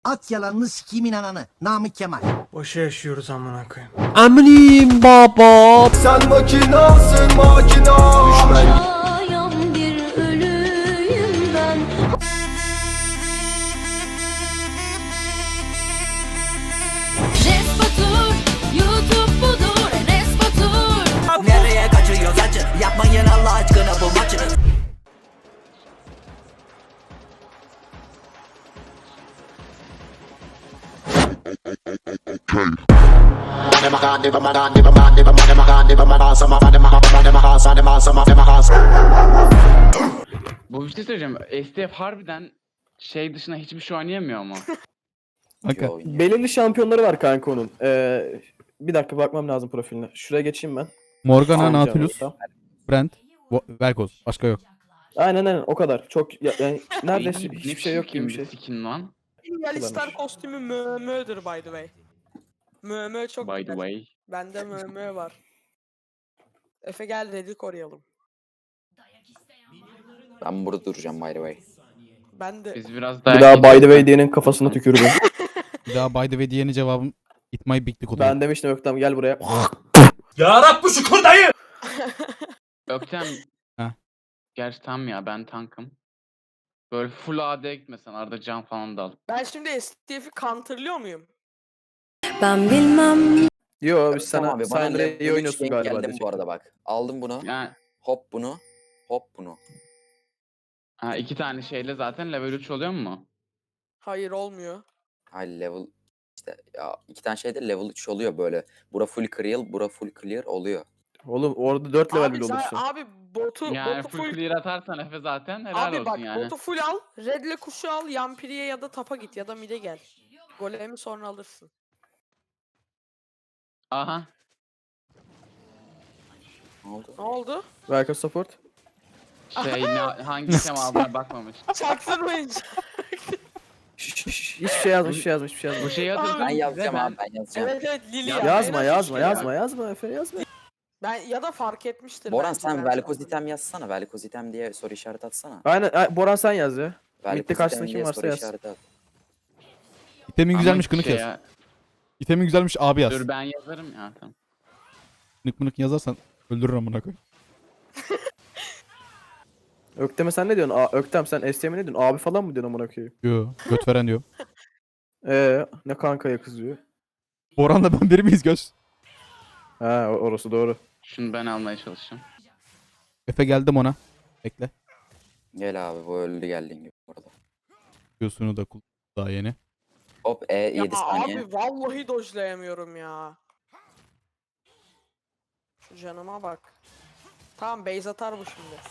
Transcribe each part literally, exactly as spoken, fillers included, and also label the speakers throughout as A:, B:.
A: At yalanını sikimin ananı. Namık Kemal.
B: Boşa yaşıyoruz amına koyayım.
C: Eminim baba.
D: Sen makinasın makina. Düşman.
E: Ayan bir ölüyüm ben. Respatur, YouTube budur. Respatur.
F: Nereye kaçıyoruz acı? Yapmayın Allah aşkına bu maçı.
G: Bu bir şey söyleyeceğim. S T F harbiden şey dışında hiçbir şey oynayamıyor mu?
C: Kanka.
H: Belirli şampiyonları var kanka onun. Ee, bir dakika bakmam lazım profiline. Şuraya geçeyim ben.
C: Morgana,
H: Tamam,
C: Nautilus,
H: tamam.
C: Brent, Vo- Velkoz. Başka yok.
H: Aynen aynen o kadar. Çok ya, yani neredeyse
G: Ne
H: hiçbir şey yok gibi bir şey.
G: Skin lan.
B: Alistar kostümü mö mö'dür by the way. Mö mö çok
G: By the
B: güzel.
G: way.
B: Bende mö mö var. Efe gel dedi koruyalım.
I: Ben burada duracağım by the way.
B: Ben de
G: Biz biraz
H: Bir
G: daha...
H: daha by the way diyenin kafasına tükürdüm.
C: Bir daha by the way diyene cevabım It My Big Dick oluyor.
H: Ben demiştim Öktem gel buraya.
B: Ya Rabbi şükür dayı.
G: Öktem.
C: Ha.
G: Gerçi tam ya ben tankım. Böyle full A D'ye gitmesen arada can falan da al.
B: Ben şimdi S T F'i counterlıyor muyum?
E: Ben bilmem.
H: Yo biz sana
I: Tamam abi, bana
H: sen de
I: level
H: iyi
I: üç
H: oynuyorsun
I: denk
H: galiba.
I: geldim
H: diyecek.
I: bu arada bak. Aldım bunu.
G: Yani
I: Hop bunu. Hop bunu.
G: ha, iki tane şeyle zaten level üç oluyor mu?
B: Hayır olmuyor.
I: Hayır level işte ya iki tane şeyde level üç oluyor böyle. Bura full clear, bura full clear oluyor.
H: Oğlum orada dört level
B: Abi,
H: bile
B: sen-
H: olursun.
B: abi botu,
G: Yani
B: botu
G: full
B: full,
G: clear atarsan Efe zaten helal
B: abi
G: olsun
B: bak
G: yani.
B: botu full al. Red'le kuşu al. Yampiri'ye ya da tapa git ya da mid'e gel. Golemi sonra alırsın.
G: Aha.
I: Ne oldu?
B: Ne oldu?
H: Velkoz support.
G: Şey ne, hangi item aldığına bakmamış.
B: Çaktırmayın.
H: Şş, şş, şş, hiçbir şey yazmış, hiçbir şey yazmış, hiçbir şey
G: Bu
H: yazmış.
G: şeyi
B: Abi,
G: hatırlıyor
I: Ben yazacağım
G: ben...
I: abi ben yazacağım.
B: Evet evet Lili
G: Ya-
B: ya.
H: Yazma,
B: En az üç
H: yazma,
B: kere.
H: yazma, yazma, Efe yazma.
B: Ben ya da fark etmiştir.
I: Boran
B: bence,
I: sen
B: ben
I: Velkoz
B: sandım.
I: item yazsana. Velkoz item diye soru işareti atsana.
H: Aynen, ay- Boran sen yaz ya.
I: Velkoz
H: karşısında
I: item
H: kim
I: diye
H: varsa
I: soru
H: yaz.
I: işareti at.
C: İtemin güzelmiş
G: Ama
C: kınık
G: şey
C: yaz.
G: ya-
C: İtemin güzelmiş abi yaz.
G: Dur ben yazarım ya tamam.
C: Kınık mınık yazarsan öldürür amına koy.
H: Öktem'e sen ne diyorsun? Aa, Öktem sen S T'ye ne diyorsun? Abi falan mı diyorsun amına koyayım?
C: Yo, göt veren diyor.
H: Ee, ne kankaya kızıyor.
C: Boran'la ben biri miyiz göz?
H: Ha o- orası doğru.
G: Şunu ben almaya çalışacağım.
C: Efe geldim ona. Bekle.
I: Gel abi bu öldü geldiğin gibi burada.
C: Q'sunu da kul daha yeni.
I: Hop E
B: Ya
I: yedi saniye.
B: abi vallahi dojlayamıyorum ya. Şu canıma bak. Tamam base atar bu şimdi.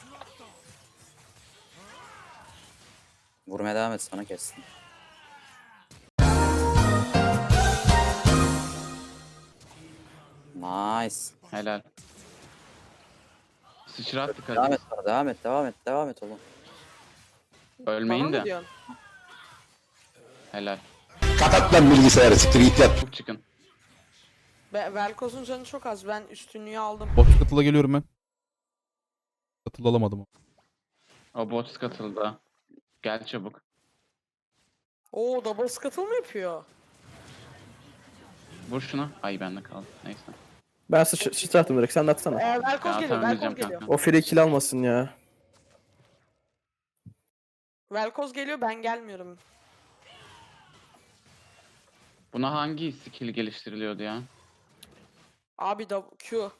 I: Vurmaya devam et sana kessin. Nice.
G: Helal. Sıçrat dikkat
I: Devam
G: et.
I: et sana devam et devam et devam et oğlum.
G: Ölmeyin
B: Bana mı
G: de.
B: diyorsun?
G: Helal.
D: Kapat lan bilgisayarı siktir git yat.
G: Çok çıkın.
B: Be Velkoz'un canı çok az. Ben üstünlüğü aldım.
C: Bot katıla geliyorum ben. Katıl alamadım.
G: O bot katıldı. Gel çabuk.
B: Oo double scuttle mı yapıyor?
G: Vur şunu. Ay bende kaldı. Neyse.
H: Ben sıç sıçrattım direkt sen de atsana.
B: Ee, Velkoz
G: Ya
B: geliyor.
G: tamam
B: Velkoz
G: diyeceğim
B: geliyor.
G: kanka.
H: O free kill almasın ya.
B: Velkoz geliyor ben gelmiyorum.
G: Buna hangi skill geliştiriliyordu ya?
B: Abi da Q.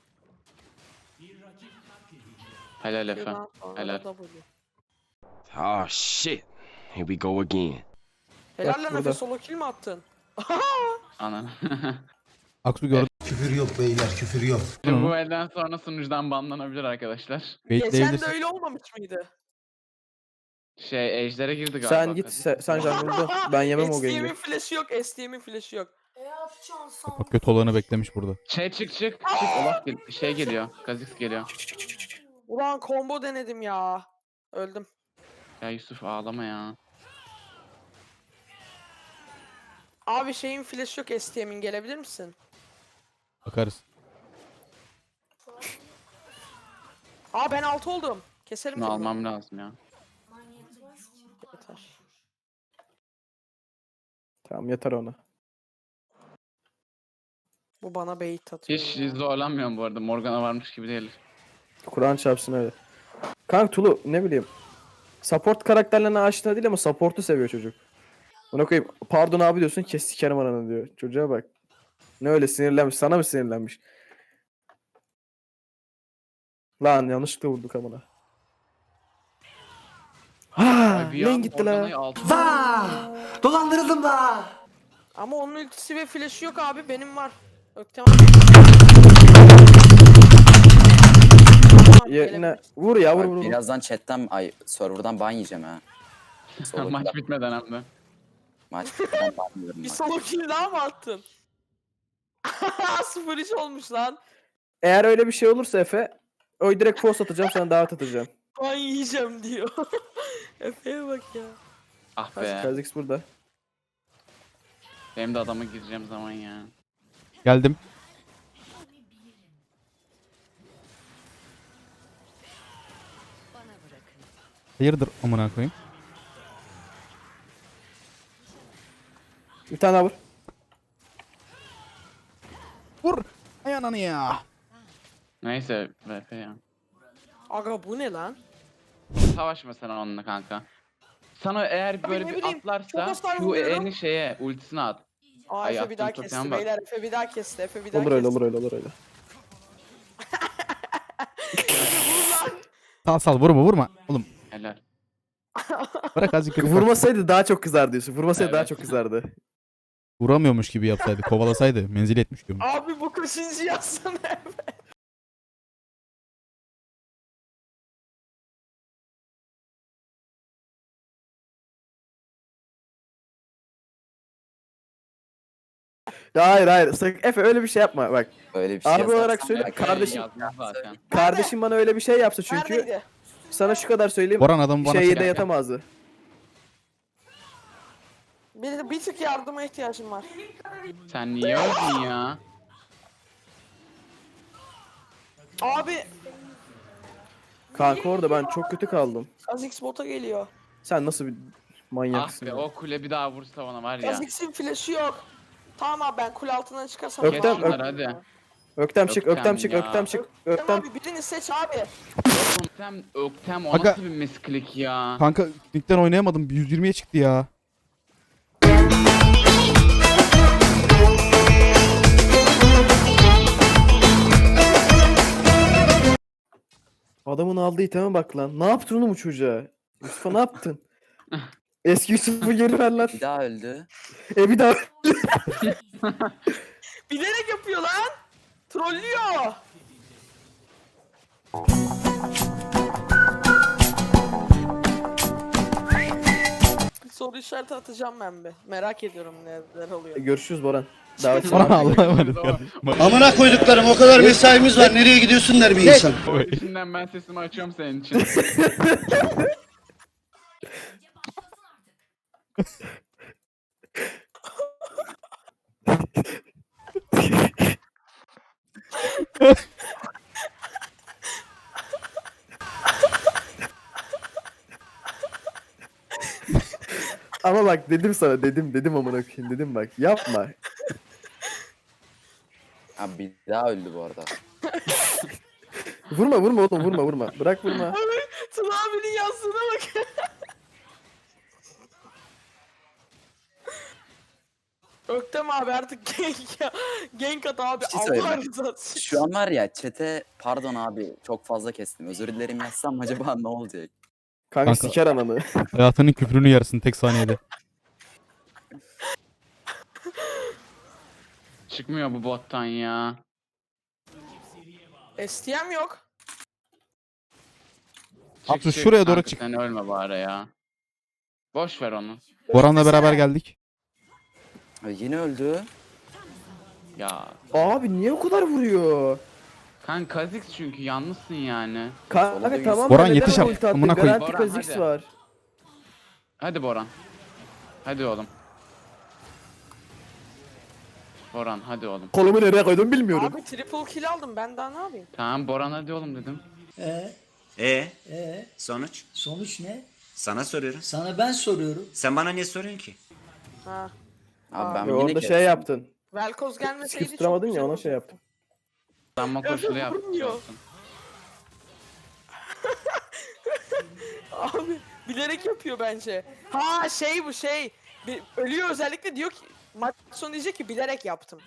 G: Helal Efe.
B: Q'dan sonra
G: Helal.
B: da W.
D: Oh shit. Here we go again.
B: Helal
H: Bak
B: lan
H: burada.
B: Efe solo kill mi attın?
G: Anan.
C: Aksu gördüm.
A: Küfür yok beyler küfür yok.
G: Şimdi bu elden sonra sunucudan banlanabilir arkadaşlar.
B: Geçen de
C: Baitleyebilirsin.
B: öyle olmamış mıydı?
G: Şey ejder'e girdi galiba.
H: Sen git sen, sen jungle'da. Ben yemem o
B: S T M'in
H: game'i.
B: flash'ı yok, S T M'in flash'ı yok.
C: Bak kötü olanı beklemiş burada.
G: Şey çık çık. Çık. Gel- Şey geliyor. Kha'Zix geliyor.
B: Ulan combo denedim ya. Öldüm.
G: Ya Yusuf ağlama ya.
B: Abi şeyin flash'ı yok S T M'in gelebilir misin?
C: Bakarız.
B: Aa ben altı oldum. Keserim
G: Bunu
B: seni.
G: almam lazım ya.
B: Yeter.
H: Tamam yeter ona.
B: Bu bana bait atıyor.
G: Hiç
B: ya.
G: zorlanmıyorum bu arada. Morgana varmış gibi değil.
H: Kur'an çarpsın öyle. Kanka Tulu ne bileyim. Support karakterlerine aşina değil ama support'u seviyor çocuk. Ona koyayım. Pardon abi diyorsun, kes sikerim ananı diyor. Çocuğa bak. Ne öyle sinirlenmiş. Sana mı sinirlenmiş? Lan yanlışlıkla vurduk amına. Ha,
G: Ay, bir
H: lan
G: an
H: gitti
G: Morgana'yı
H: la.
G: altı-
A: Vaa! Dolandırıldım da.
B: Ama onun ultisi ve flash'ı yok abi. Benim var. Öktem
H: Yerine vur ya vur
I: Bak,
H: vur. vur.
I: birazdan chatten ay serverdan ban yiyeceğim ha. Solo
G: Maç bitmeden hem de.
I: maç bitmeden ban yiyorum
B: Bir
I: bak.
B: solo kill daha mı attın? sıfır üç olmuş lan.
H: Eğer öyle bir şey olursa Efe, o direkt post atacağım, sana davet atacağım.
B: Ben yiyeceğim diyor. Efe'ye bak ya.
G: Ah be.
H: Kazix burada.
G: Benim de adama gireceğim zaman ya.
C: Geldim. Hayırdır amına koyayım.
H: Bir tane daha vur.
C: Vur. Ay ananı ya.
G: Neyse V P ya.
B: Aga bu ne lan?
G: Savaşma sen onunla kanka. Sana eğer böyle
B: ne
G: bir
B: bileyim, çok
G: atlarsa
B: hasar
G: Q
B: vuruyorum.
G: E'ni şeye ultisine at.
B: Aa
G: Ay,
B: Efe bir daha
G: yaptığın
B: kesti
G: totem bak.
B: beyler. Efe bir daha kesti. Efe bir daha
H: Olur öyle
B: kesti.
H: olur öyle olur öyle.
C: Sal sal vurma vurma. Oğlum
G: Helal.
C: bırak azıcık kırık.
H: Vurmasaydı daha çok kızar diyorsun. Vurmasaydı daha
G: Evet.
H: çok kızardı.
C: Vuramıyormuş gibi yapsaydı. Kovalasaydı. Menzil etmiş diyorum.
B: Abi bu kaçıncı yazsana Efe.
H: Ya hayır hayır. Sakın Efe öyle bir şey yapma bak.
I: Öyle bir şey
H: Abi olarak
I: yazarsan
H: söyle,
I: belki-
H: kardeşim-
G: Yazmaz zaten.
H: Kardeşim bana öyle bir şey yapsa çünkü
B: Neredeydi?
H: sana şu kadar söyleyeyim.
C: Boran adamı bana
H: Şeyde
C: çek.
H: yatamazdı.
B: Bir, bir tık yardıma ihtiyacım var.
G: Sen niye öldün ya?
B: Abi
H: Kanka orada ben çok kötü kaldım.
B: Kha'Zix bota geliyor.
H: Sen nasıl bir
G: Ah
H: manyaksın
G: be
H: ya.
G: o kule bir daha vursa bana var ya.
B: Kha'Zix'in flash'ı yok. Tamam abi ben kule altından çıkarsam.
H: Öktem,
G: Kes
B: tamam.
G: şunları hadi.
H: Öktem çık,
G: Öktem
H: öktem çık,
G: ya.
H: öktem çık,
B: Öktem
H: öktem.
B: abi birini seç abi.
G: Öktem, Öktem o
C: Aga-
G: nasıl bir misklik ya?
C: Kanka ligden oynayamadım. yüz yirmiye çıktı ya.
H: Adamın aldığı iteme bak lan. Ne yaptın oğlum bu çocuğa? Mustafa ne yaptın? Eski Yusuf'u geri ver lan.
I: Bir daha öldü.
H: E bir daha.
B: Bilerek yapıyor lan. Trollüyor. Bir soru işareti atacağım ben bir. Merak ediyorum neler oluyor.
H: Görüşürüz Boran. Davet
C: Boran
H: sana.
C: Allah'a emanet.
A: Amına koyduklarım o kadar mesaimiz var. Nereye gidiyorsun der bir insan.
G: O içinden ben sesimi açıyorum senin için.
H: Ama bak dedim sana, dedim dedim amına koyayım, dedim bak yapma.
I: Abi bir daha öldü bu arada.
H: Vurma vurma oğlum, vurma vurma. Bırak vurma.
B: Tuna abinin yazdığına bak. Öktem abi artık genk ya. Genk at abi.
I: Bir şey
B: Allah
I: söyleyeyim.
B: rızası için.
I: Şu an var ya çete pardon abi çok fazla kestim. Özür dilerim yazsam acaba ne olacak?
H: Kanka,
C: Kanka.
H: siker ananı.
C: Hayatının küfrünü yersin tek saniyede.
G: Çıkmıyor bu bottan ya.
B: S T M yok.
G: Çık,
C: Abdü,
G: çık
C: şuraya doğru
G: kanka,
C: çık.
G: Sen ölme bari ya. Boş ver onu.
C: Boran'la beraber geldik.
I: Ay, yine öldü.
G: Ya.
H: Abi niye o kadar vuruyor?
G: Kanka Kha'Zix çünkü yalnızsın yani.
H: Kanka
I: Solda
H: tamam.
C: Boran
H: da neden
C: yetiş
H: ulti
C: artık,
H: attın?
C: amına koyayım.
H: Garanti
G: Boran,
H: Kha'Zix
G: hadi.
H: var.
G: Hadi Boran. Hadi oğlum. Boran hadi oğlum.
H: Kolumu nereye koydum bilmiyorum.
B: Abi triple kill aldım ben daha ne yapayım?
G: Tamam Boran hadi oğlum dedim.
J: Ee,
K: E
J: ee,
K: sonuç?
J: sonuç ne?
K: Sana soruyorum.
J: Sana ben soruyorum.
K: Sen bana niye soruyorsun ki?
B: Ha.
I: Abi ben
H: Ve
I: yine
H: orada şey
I: kestim.
H: yaptın.
B: Velkoz gelmeseydi
H: Skip tutamadın
B: çok
H: ya,
B: güzel
H: ona şey
B: olacaktı.
H: yaptım.
G: Sanma koşulu yapmış
B: vurmuyor.
G: olsun.
B: Abi bilerek yapıyor bence. Ha şey bu şey. Bir, ölüyor özellikle diyor ki maç sonu diyecek ki bilerek yaptım.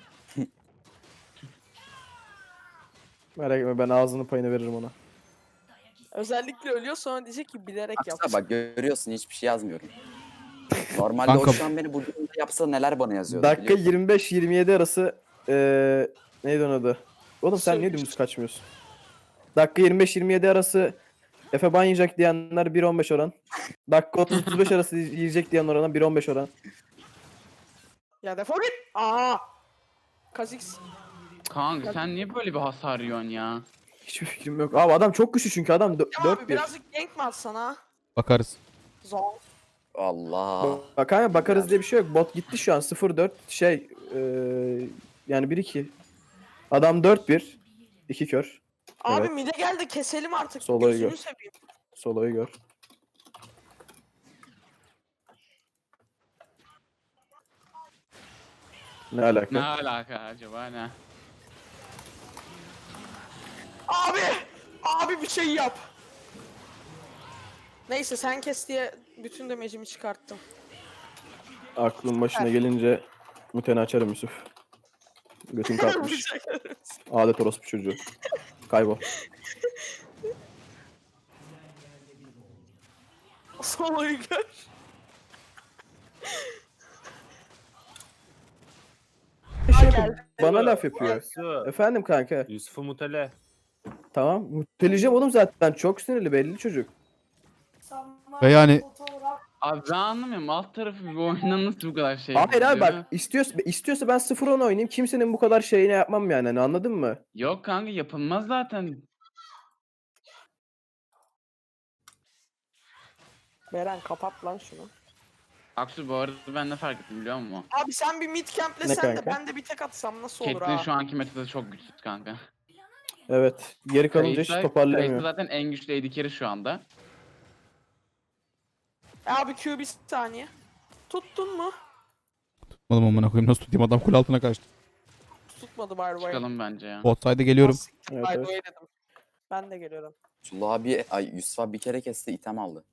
H: Merak etme, ben ağzının payını veririm ona.
B: Özellikle ölüyor sonra diyecek ki bilerek yaptım.
I: Baksana bak görüyorsun hiçbir şey yazmıyorum. Normalde
C: Kanka-
I: o şu an beni bu durumda yapsa neler bana yazıyordu.
H: Dakika
I: biliyor musun?
H: yirmi beş yirmi yedi arası eee neydi onun adı? Oğlum sen niye
B: Sövmüş.
H: dümdüz kaçmıyorsun? Dakika yirmi beş yirmi yedi arası Efe ban yiyecek diyenler bir on beş oran. Dakika otuz otuz beş arası yiyecek diyen orana bir on beş oran.
B: Ya defol git. Aa. Kazix.
G: Kanka sen niye böyle bir hasar yiyorsun ya?
H: Hiçbir fikrim yok. Abi adam çok güçlü çünkü adam
B: Ya
H: dört
B: abi
H: bir.
B: birazcık gank mi atsana?
C: Bakarız.
B: Zor.
I: Allah.
H: Bak hani bakarız diye bir şey yok. Bot gitti şu an sıfır dört şey eee yani bir iki. Adam dört bir. iki kör.
B: Abi
H: Evet.
B: mide geldi keselim artık.
H: Solo'yu
B: Gözünü
H: gör.
B: seveyim.
H: Solo'yu gör. Ne alaka?
G: Ne alaka acaba ne?
B: Abi! Abi bir şey yap. Neyse sen kes diye bütün demecimi çıkarttım.
H: Aklın başına gelince muteni açarım Yusuf. Götün kalkmış. Adet orospu çocuğu. Kaybol.
B: Solo'yu gör.
H: Şey
B: geldi.
H: yapıyor, bana laf yapıyor. Efendim kanka.
J: Yusuf'u mutele.
H: Tamam. Muteleyeceğim oğlum zaten. Çok sinirli belli çocuk.
C: Ve yani
G: Abi ben anlamıyorum alt tarafı bir oyundan nasıl bu kadar şey
H: Hayır abi
G: yapıyor?
H: bak istiyorsa, istiyorsa ben sıfır on oynayayım. Kimsenin bu kadar şeyini yapmam yani. Hani anladın mı?
G: Yok kanka yapılmaz zaten.
B: Beren kapat lan şunu.
G: Aksu bu arada ben ne fark ettim biliyor musun?
B: Abi sen bir mid
H: Ne
B: camplesen de
H: kanka?
B: ben de bir tek atsam nasıl olur
G: Caitlyn
B: ha?
G: şu anki metada çok güçsüz kanka.
H: Evet. Geri kalınca hiç
G: Kayısa-
H: toparlayamıyor.
G: Kayısa zaten en güçlü A D carry şu anda.
B: E abi Q bir saniye. Tuttun mu?
C: tutmadım amına koyayım, nasıl tutayım, adam kule altına kaçtı.
B: Tutmadı by the way.
G: Çıkalım bence ya.
C: Bot side'e geliyorum.
H: Evet,
B: By the
H: evet.
B: way dedim. Ben de geliyorum.
I: Sulu abi, ay Yusuf abi bir kere kesti item aldı.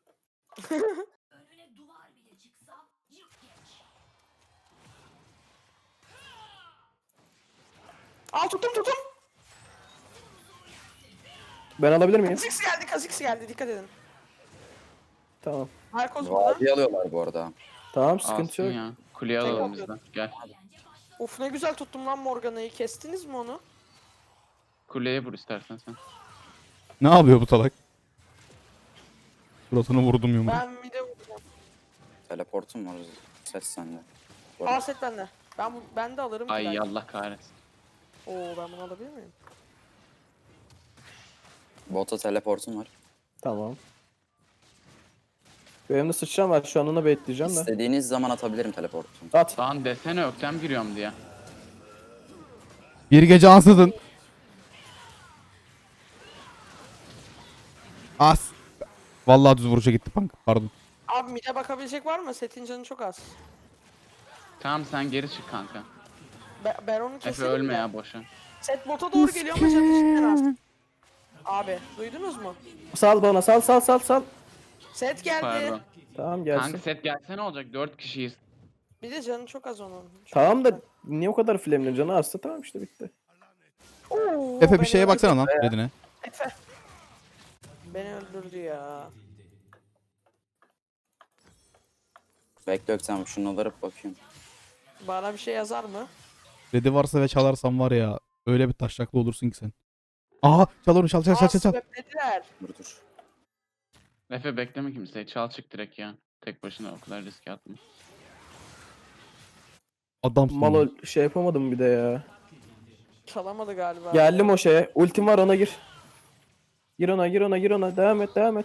B: Al tuttum tuttum.
H: Ben alabilir miyim?
B: Kazix geldi Kazix geldi dikkat edin.
H: Tamam.
B: Marcos burada.
I: Vadi alıyorlar bu arada.
H: Tamam sıkıntı
G: Alsın
H: yok.
G: ya. Kuleye
B: Tek
G: alalım biz de.
B: atıyorum.
G: Gel.
B: Of ne güzel tuttum lan Morgana'yı. Kestiniz mi onu?
G: Kuleye vur istersen sen.
C: Ne yapıyor bu salak? Suratını vurdum yumruğu.
B: Ben mid'e vuracağım.
I: Teleportum var. Ses sende. Bu
B: Aa
I: arada.
B: set bende. Ben, bu- ben de alırım ki
G: Ay
B: belki.
G: Allah kahretsin.
B: Oo ben bunu alabilir miyim?
I: Bota teleportum var.
H: Tamam. Benim de sıçram var. Şu an ona bekleyeceğim de.
I: İstediğiniz zaman atabilirim teleportumu.
H: At.
G: Lan desene öktem giriyorum diye.
C: Bir gece ansızın. As. Vallahi düz vuruşa gitti punk. Pardon.
B: Abi mid'e bakabilecek var mı? Setin canı çok az.
G: Tamam sen geri çık kanka.
B: Be ben onu
G: Efe
B: keserim
G: ölme
B: de.
G: ya boşa.
B: Set bota doğru geliyor ama canı cidden az. Abi duydunuz mu?
H: Sal bana sal sal sal sal.
B: Set geldi.
G: Pardon.
H: Tamam gelsin.
G: Kanka set gelse ne olacak? Dört kişiyiz.
B: Bir de canı çok az onun. Çok
H: Tamam da niye o kadar flame'le canı azsa tamam işte bitti.
B: Oo,
C: Efe bir
B: beni
C: şeye
B: öldürdü.
C: baksana lan redine.
B: Efe. Beni öldürdü ya.
I: Bekle Öksem şunu alırıp bakayım.
B: Bana bir şey yazar mı?
C: Redi varsa ve çalarsam var ya, öyle bir taşraklı olursun ki sen. Aha çal onu, çal çal çal
B: Aa
C: çal. çal.
B: sveplediler.
I: Dur dur.
G: Efe bekleme kimseyi. Çal çık direkt ya. Tek başına o kadar riske atma.
C: Adamsın.
H: Malo şey yapamadım bir de ya.
B: Çalamadı galiba.
H: Geldim o şeye. Ultim var ona gir. Gir ona gir ona gir ona. Devam et devam et.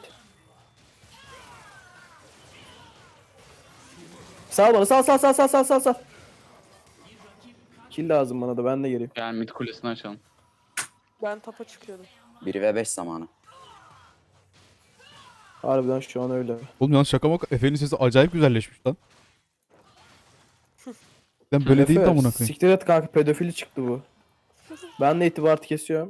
H: Sal bana sal sal sal sal sal sal sal. Kill lazım bana da ben de gireyim.
G: Gel mid kulesini açalım.
B: Ben tapa çıkıyordum.
I: bir ve beş zamanı.
H: Harbiden şu an öyle.
C: Oğlum yalnız şaka bak, Efe'nin sesi acayip güzelleşmiş lan. Sen böyle değil de
H: Efe,
C: amına koyayım.
H: siktir et kanka, pedofili çıktı bu. Ben de itibarı kesiyorum.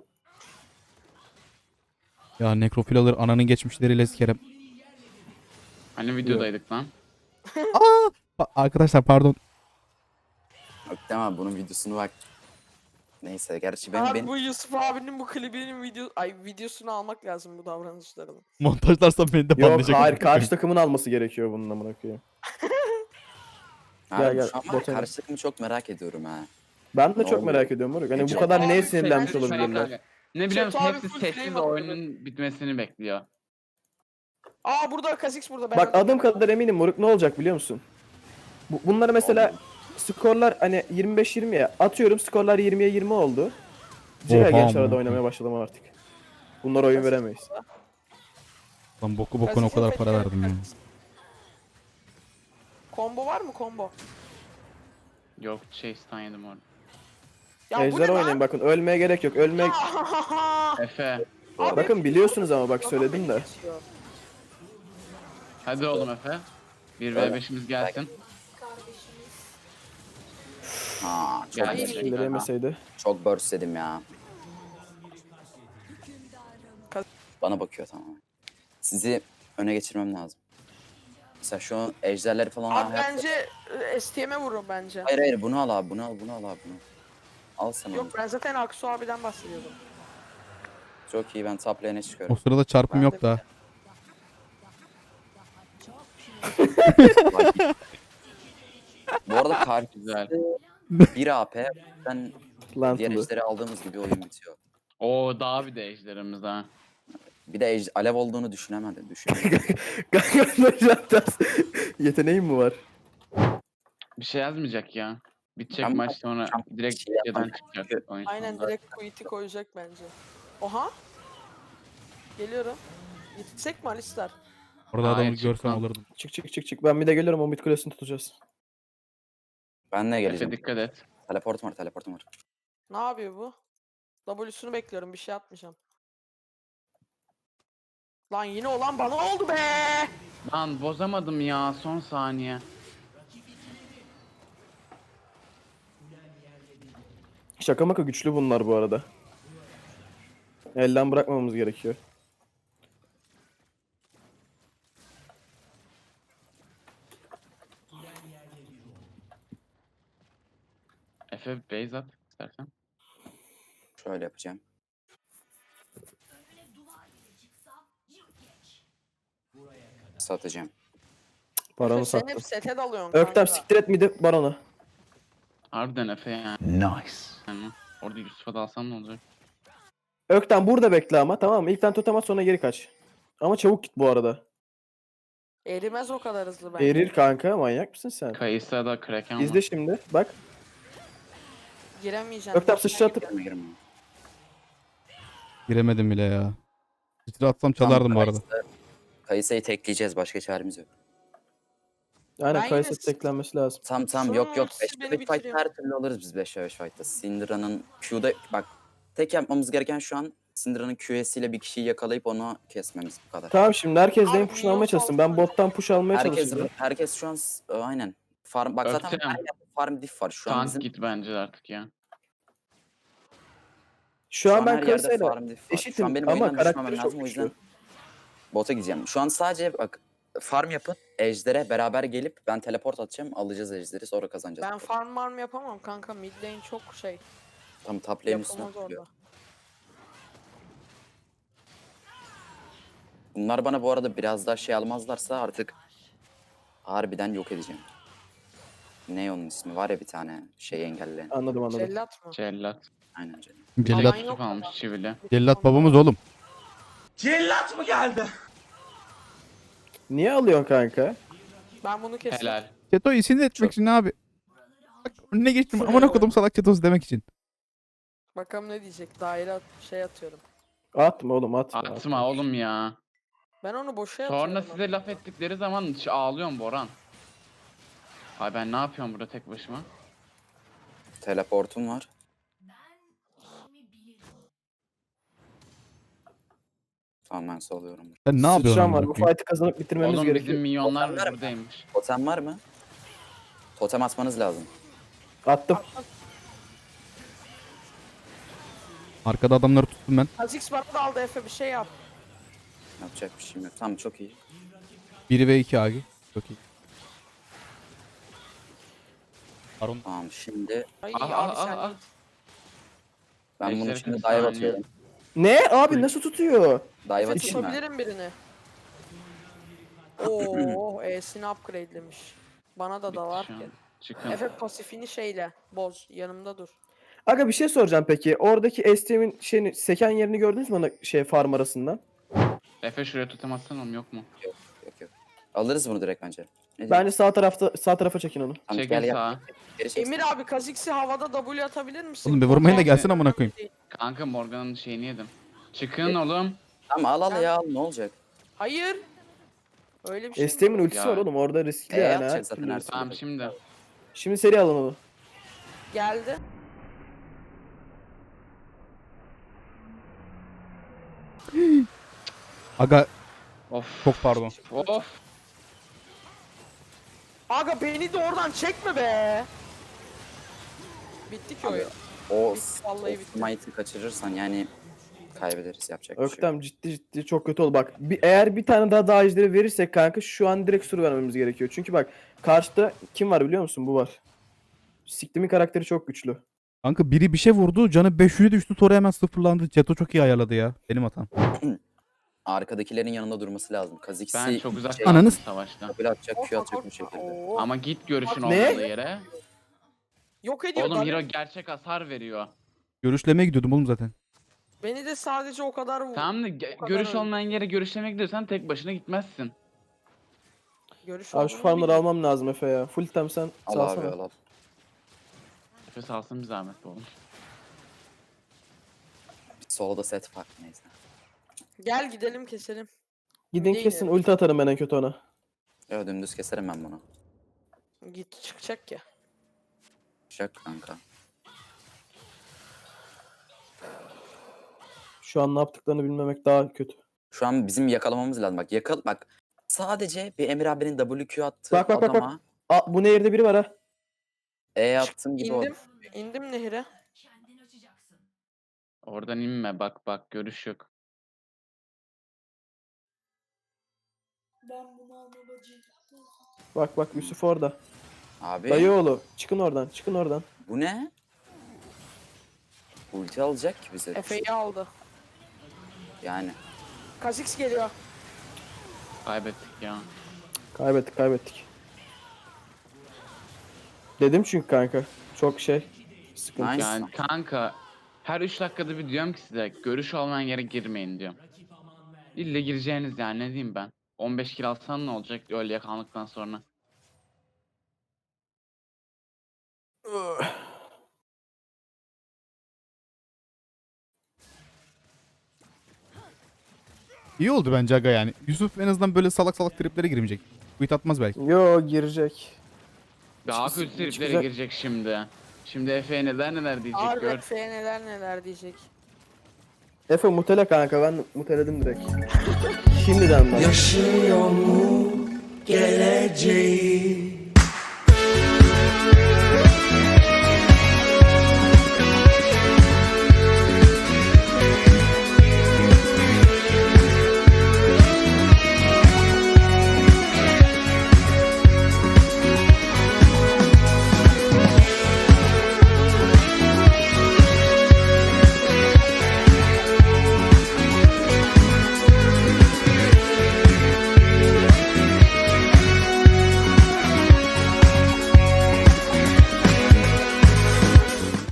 C: Ya nekrofil alır ananın geçmişleriyle sikerim.
G: Hani videodaydık lan.
C: Pa- Arkadaşlar pardon.
I: Yok tamam, bunun videosunu bak. Neyse, gerçi benim
B: Abi
I: benim
B: bu Yusuf abinin bu klibinin video ay videosunu almak lazım bu davranışlarını.
C: Montajlarsan beni de
H: Yok
C: banlayacak.
H: hayır, karşı takımın alması gerekiyor bunun amına koyayım.
I: Abi
H: Gel, gel,
I: şu an var ya,
H: botana.
I: karşı takımı çok merak ediyorum ha.
H: Ben de
I: Ne
H: çok
I: oluyor?
H: merak ediyorum moruk. Hani bu
B: Çok
H: kadar
B: abi,
H: neye
B: sen-
H: sinirlenmiş
B: sen-
H: olabilirler?
G: Ne biliyor musun?
B: Çok abi
G: Hepsi
B: full
G: sessiz
B: flame
G: oyunun bitmesini bekliyor.
B: Aa burada Kha'Zix burada. Ben
H: Bak
B: öldüm.
H: adım kadar eminim moruk, ne olacak biliyor musun? Bu, bunları mesela skorlar hani yirmi beş yirmiye atıyorum, skorlar yirmiye yirmi oldu. Ciga
C: Oha
H: genç arada
C: amına
H: oynamaya başladım artık. Bunlar oyun veremeyiz.
C: Lan boku bokuna o
B: Kha'Zix'in
C: kadar para
B: fethileri
C: verdim ya.
B: Kha'Zix. Combo var mı combo?
G: Yok şey stun yedim orada.
B: Ya bu ne
H: Ejder
B: lan?
H: oynayın bakın, ölmeye gerek yok. Ölmek
G: Efe.
B: Abi,
H: bakın biliyorsunuz ama bak söyledim de.
G: Hadi oğlum Efe. bir ve beşimiz gelsin.
I: Ha, çok
G: Gel.
I: çok,
H: Şimdi yemeseydi.
I: çok burst dedim ya. Bana bakıyor, tamam. Sizi öne geçirmem lazım. Mesela şu an ejderleri falan
B: Abi
I: hayat-
B: bence e, S T M'e vurun bence.
I: Hayır hayır, bunu al abi, bunu al, bunu al abi, bunu. Al sen onu.
B: Yok ben zaten Aksu abiden bahsediyordum.
I: Çok iyi, ben top lane'e
C: O
I: çıkıyorum.
C: sırada çarpım
B: Ben de
C: yok da.
I: Bu arada kar
G: Güzel.
I: bir A P, ben
H: Lan
I: diğer
H: Tulu.
I: ejderi aldığımız gibi oyun bitiyor.
G: Oo daha bir de ejderimiz ha.
I: Bir de ej- alev olduğunu düşünemedim, düşünemedim.
H: Kanka ters. Yeteneğim mi var?
G: Bir şey yazmayacak ya. Bitecek
I: Ama-
G: maç sonra
I: Ama
G: direkt
I: bir şey
G: şeyden
I: yapmam.
G: çıkacak oyun
B: Aynen
G: sonunda.
B: direkt quit'i koyacak bence. Oha. Geliyorum. Yetişsek mi Alistar?
C: Orada adamı
G: Hayır,
C: görsem
G: çıkmam.
C: alırdım.
H: Çık çık çık çık. Ben bir de geliyorum, o mid kulesini tutacağız.
I: Ben de
G: Efe
I: geleceğim.
G: dikkat et.
I: Teleportum var, teleportum var.
B: Ne yapıyor bu? W'sunu bekliyorum, bir şey atmayacağım. Lan yine olan bana oldu be.
G: Lan bozamadım ya son saniye.
H: Şaka maka güçlü bunlar bu arada. Elden bırakmamamız gerekiyor.
G: Efe base at istersen.
I: Şöyle yapacağım. Satacağım.
H: Paranı
B: Sen
H: sattım.
B: hep sete dalıyorsun
H: Öktem
B: kanka.
H: siktir et midi baronu.
G: Harbiden Efe yani. Nice. Yani orada Yusuf'a da alsan ne olacak?
H: Öktem burada bekle ama, tamam mı? İlkten totem at, sonra geri kaç. Ama çabuk git bu arada.
B: Erimez o kadar hızlı bence.
H: Erir kanka, manyak mısın sen?
G: Kayısa da Kraken
H: İzle
G: var.
H: şimdi bak.
B: Giremeyeceğim.
H: Öktem sıçratıp.
I: Girme girme.
C: Giremedim bile ya. Sıçra atsam çalardım bu arada.
I: Kayısı- Kayısı'yı tekleyeceğiz, başka çaremiz yok.
H: Aynen,
B: Ben
H: Kayısı
B: yine-
H: teklenmesi lazım.
I: Tam tam
B: Şunun
I: yok yok,
B: ultisi
I: beş
B: beni
I: ve beş fight
B: bitiriyor.
I: her türlü alırız biz beş ve beş fight'ta. Syndra'nın Q'da bak, tek yapmamız gereken şu an Syndra'nın Q'siyle bir kişiyi yakalayıp onu kesmemiz, bu kadar.
H: Tamam, şimdi herkes
B: Abi,
H: lane push'unu almaya
B: minyon
H: çalışsın. Ben
B: salsana.
H: bottan push almaya
I: Herkes
H: çalışacağım.
I: herkes şu an s- e, aynen. Farm bak zaten
G: Öktem.
I: her yerde farm diff var şu an
G: Tank
I: bizim.
G: git bence artık ya.
H: Şu an ben
I: her yerde
H: Kayısı'yla
I: farm diff var. Şu
H: eşitim
I: an benim
H: ama
I: oyundan düşmemem
H: karakteri
I: lazım,
H: çok
I: o yüzden
H: güçlü.
I: bota gideceğim. Şu an sadece bak, farm yapın, ejdere beraber gelip ben teleport atacağım, alacağız ejderi, sonra kazanacağız.
B: Ben farm farm yapamam kanka. Mid lane çok şey.
I: Tam top lane üstüne
B: Yapamaz
I: tutuyor.
B: orada.
I: Bunlar bana bu arada biraz daha şey almazlarsa artık harbiden yok edeceğim. Ne onun ismi var ya, bir tane şey engelleyen.
H: Anladım anladım.
B: Cellat mı?
G: Cellat.
I: Aynen canım.
C: Cellat,
B: Aman
G: Yusuf
B: yok
G: almış
B: ama.
G: çivili.
C: cellat babamız oğlum.
H: Niye alıyorsun kanka?
B: Ben bunu kesin.
G: Helal.
C: Çeto'yu sinir etmek için abi. Bak önüne geçtim. Aman okudum salak Çeto'su demek için.
B: Bakalım ne diyecek. Daire at- şey atıyorum.
H: Atma oğlum, atma.
G: Atma oğlum ya.
B: Ben onu boşa atıyorum.
G: Sonra size laf ettikleri zaman ş- ağlıyorum Boran. Ay ben ne yapıyorum burada tek başıma?
I: Teleportum var. Tamam, ben soluyorum.
C: Sen ne yapıyorsun?
H: Sıçram var.
C: amına
H: Bu
C: koyayım?
H: fight'ı kazanıp bitirmemiz
G: Oğlum
H: gerekiyor.
G: bizim milyonlar
I: Okanlar mı?
G: buradaymış.
I: Totem var mı? Totem atmanız lazım.
H: Attım.
C: Arkada adamları tuttum ben.
B: Kha'Zix bana da aldı Efe bir şey yap.
I: Yapacak bir şeyim yok. Tamam çok iyi.
C: biri ve iki Agi. Çok iyi. Baron.
I: Tamam şimdi
B: Ay
G: Ah,
B: abi
G: ah,
B: sen
G: ah,
B: git.
I: ben bunu
G: Eşleri
I: şimdi
G: kırk
I: dive
G: saniye.
I: atıyorum.
H: Ne? Abi nasıl tutuyor?
I: Dive
B: Efe
I: atayım mı?
B: tutabilirim birini. Oo, E'sini upgrade'lemiş. Bana da da var
G: Şu an.
B: ki.
G: Çıkın.
B: Efe pasifini şeyle boz. Yanımda dur.
H: Aga bir şey soracağım peki. Oradaki S T M'in şeyini, seken yerini gördünüz mü ona şey farm arasından?
G: Efe şuraya totem atsana oğlum, yok mu?
I: Yok yok. Alırız bunu direkt bence. Ne diyorsun?
H: Bence sağ tarafta sağ tarafa çekin onu.
I: Tamam,
G: Çekin
I: gel gel.
G: sağa.
I: Geri çek.
B: Emir abi Kha'Zix'i havada W atabilir misin?
C: Oğlum bir vurmayın da
B: Korkak
C: gelsin amına koyayım.
B: değil.
G: Kanka Morgan'ın şeyini yedim. Çıkın oğlum.
I: Tamam al al ya al ne olacak?
B: Hayır. Öyle bir şey
H: S T M'in
B: mi?
H: ultisi
G: Ya.
H: var oğlum orada riskli
I: E
H: yani.
I: atacak
H: her
I: zaten
H: türlü.
I: her türlü.
G: Tamam şimdi.
H: Şimdi seri alın onu.
B: Geldi.
C: Aga
G: Of.
C: çok pardon.
G: Of.
B: Aga beni de oradan çekme be. Bitti ki oyun.
I: O
B: Bitti, vallahi bitti.
I: smite'ı kaçırırsan yani kaybederiz yapacak bir şey yok.
H: Öktem ciddi ciddi çok kötü oldu. Bak bir, eğer bir tane daha daha ejderi verirsek kanka şu an direkt sur vermemiz gerekiyor. Çünkü bak karşıda kim var biliyor musun? Bu var. Siktimin karakteri çok güçlü.
C: Kanka biri bir şey vurdu. Canı beş yüze düştü. Sonra hemen sıfırlandı. Ceto çok iyi ayarladı ya. Benim hatam.
I: Arkadakilerin yanında durması lazım. Kha'Zix'i
G: Ben çok uzak
I: şey,
C: Ananı
G: kaldım
C: s-
G: savaştan.
I: böyle atacak, Q atacak bu şekilde.
B: Oo.
G: Ama git görüşün
H: Ne?
G: olmadığı yere.
B: Yok ediyor.
G: Oğlum
B: tabii.
G: hero gerçek hasar veriyor.
C: Görüşlemeye gidiyordum oğlum zaten.
B: Beni de sadece o kadar vur.
G: Tamam da ge-
B: O kadar
G: görüş
B: öyle.
G: olmayan yere görüşlemeye gidiyorsan tek başına gitmezsin.
B: Görüş
H: Abi şu
B: olduğunu
H: farmları
B: bilmiyorum.
H: almam lazım Efe ya. Full tem sen
I: Al
H: salsana.
I: abi al al.
G: Efe salsın bir zahmet oğlum.
I: Bir solda set fark neyse.
B: Gel gidelim keselim.
H: Gidin
B: Değil
H: kesin
B: ya.
H: ulti atarım ben en kötü ona.
I: Ya dümdüz keserim ben bunu.
B: Git çıkacak ya.
I: Şak kanka.
H: Şu an ne yaptıklarını bilmemek daha kötü.
I: Şu an bizim yakalamamız lazım. Bak yakal bak. Sadece bir Emir abinin W Q attığı
H: Bak, bak, bak, bak.
I: adama
H: Aa bu nehirde biri var ha.
I: E attığım gibi
B: İndim.
I: o.
B: İndim nehire.
G: Oradan inme, bak bak görüş yok.
H: Bak bak Yusuf orada.
I: Abi
H: Dayıoğlu çıkın oradan çıkın oradan.
I: bu ne? Ulti alacak ki bize.
B: Efe'yi aldı.
I: Yani.
B: Kha'Zix geliyor.
G: Kaybettik ya.
H: Kaybettik kaybettik. Dedim çünkü kanka. Çok şey. Sıkıntı.
I: Nice.
G: Yani kanka her üç dakikada bir diyorum ki size görüş olmayan yere girmeyin diyorum. İlle gireceğiniz yani, ne diyeyim ben. on beş kill alsan ne olacak öyle yakalandıktan sonra.
C: İyi oldu bence aga yani. Yusuf en azından böyle salak salak triplere girmeyecek. Quit atmaz belki.
H: Yo girecek.
G: Daha
H: Hiç-
G: kötü
H: hiç
G: triplere
H: güzel-
G: girecek şimdi. Şimdi Efe'ye neler neler diyecek
B: Harbi
G: gör.
B: Efe'ye neler neler diyecek.
H: Efe mutele kanka ben muteledim direkt. Şimdiden bak.
F: Yaşıyor mu geleceği?